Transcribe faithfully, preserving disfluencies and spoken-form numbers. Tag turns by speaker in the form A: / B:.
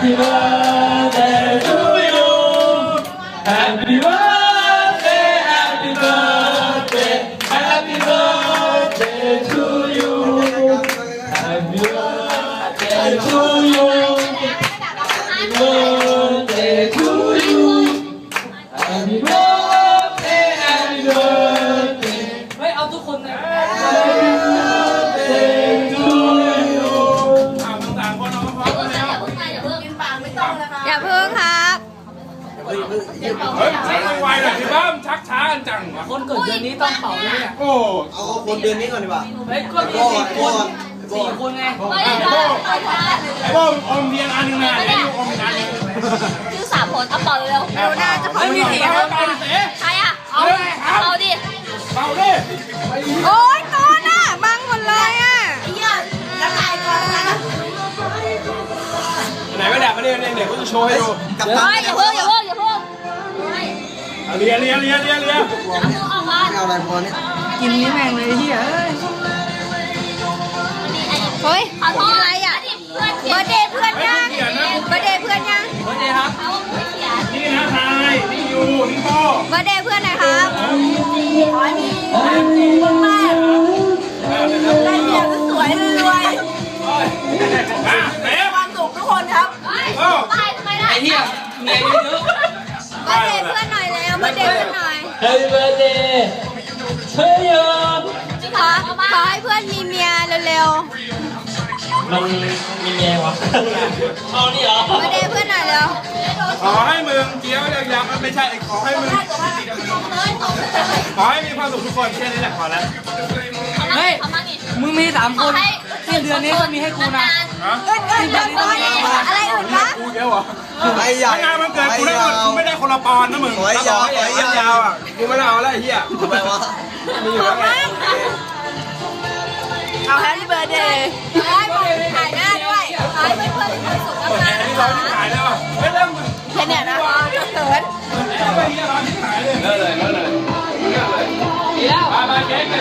A: Happy birthday to you Happy birthday Happy birthday Happy birthday to you Happy birthday to you Happy birthday to you Happy birthday Happy birthday
B: ไม่เอาทุกคนนะ
A: Happy birthday to you
C: ต่างคนเอาพร้อมกันแล้ว
D: อย่าเพิ่งครับ
C: เฮ้ยชักไวหน่อยสิบ้ามชักช้ากันจังวะ
B: คนเกิดเดือนนี้ต้องเป่าด้วยเนี่ย
C: โอ้
E: เอาคนเดือนนี้ก่อนดีกว่า
B: เฮ้ยก็มีสี่คนสี่คนไง
C: ไอ้โบ้ไอ้โบ้อมเทียนอันหนึงนะไอ้ยูอมอีกอันหนึง
D: ชื่อสามคนเอาเป่าเร็วเร็วน่าจะ
C: ไม่มีสี่คนเป่าดิเต๋
D: ใครอ่ะเอาเอาดิ
C: เป่าดิ
D: โอ๊ยก้อนอ่ะบังหมดเลยอ่ะไอ้เหี้ยละลายก่อนนะ
C: ไหนไม่ดับมาเนี่ยเดี๋ยวเขาจะโชว์ให้ดู
E: กับ
D: เฮ้ยอย่าเพิ่งอย่าเพิ่งอย่าเพิ่ง
C: เลียเลียเลียเลียเลีย
D: เอามา
E: เอาอะไรพอเนี่ย
B: กินนี้แม่งเลยเฮีย
D: เฮ้ยขอโทษอะไรอ่ะเบอร์เดย์เพื่อนยังเบอร์เดย์เพื่อนยัง
B: สวัสดีครับ
C: นี่นะทายนี่ยูนี่โบ้
D: เบอร์เดย์เพื่อนหน่อยครับขอให้มีมากๆได้เมียสวยๆรวย
C: อ่ะเต๋
D: ๆความสุขทุกคนครับ
C: โอ้
D: ตายทำไมล่ะ
B: ไอ้เฮียเมียเยอะ
D: เบอร์เดย์เพื่อนหน่อยแล้วเบอร์เดย์เพื่อนหน่อย
A: Happy birthday to you
D: ขอขอให้เพื่อนมีเมียเร็ว
A: มันมีเมียวะเอานี่เหรอ
D: ๆเบอร์เดย์เพื่อนหน่อยเร็ว
C: ขอให้มึงเกี้ยวยาวๆไม่ใช่ขอให้มึงขอให้มีความสุขทุกคนแค่นี้แหละขอแล้ว
B: เฮ้ยมึงมีสามคนสิ้นเดือนนี้ก็มีให้กูนะ
C: ฮะ
D: เอ้ยเอ้ยเอ้ยเอ้ยอะไรอื่นปะ
C: กูเกี้ยวเหรอ
E: ไอ้ใหญ่
C: ถ้างานมันเกิดกูได้หมดกูไม่ได้คนละปอนนะมึง
E: ขอให้ยาว
C: ขอให้ยาวอ่ะกูไม่ได้เอาแล้วไอ้เหี้ย
E: ทำไมวะ
C: มีอยู่แล้วไง
D: เอาแฮปปี้เบิร์ดเดย์ให้ผมถ่ายหน้าด้วยขอให้เพื่อนๆมีความสุข
C: อันนี้
D: มา
C: ร้อก ยที่
D: ๆ
C: ขายได้ป่ะ
D: ข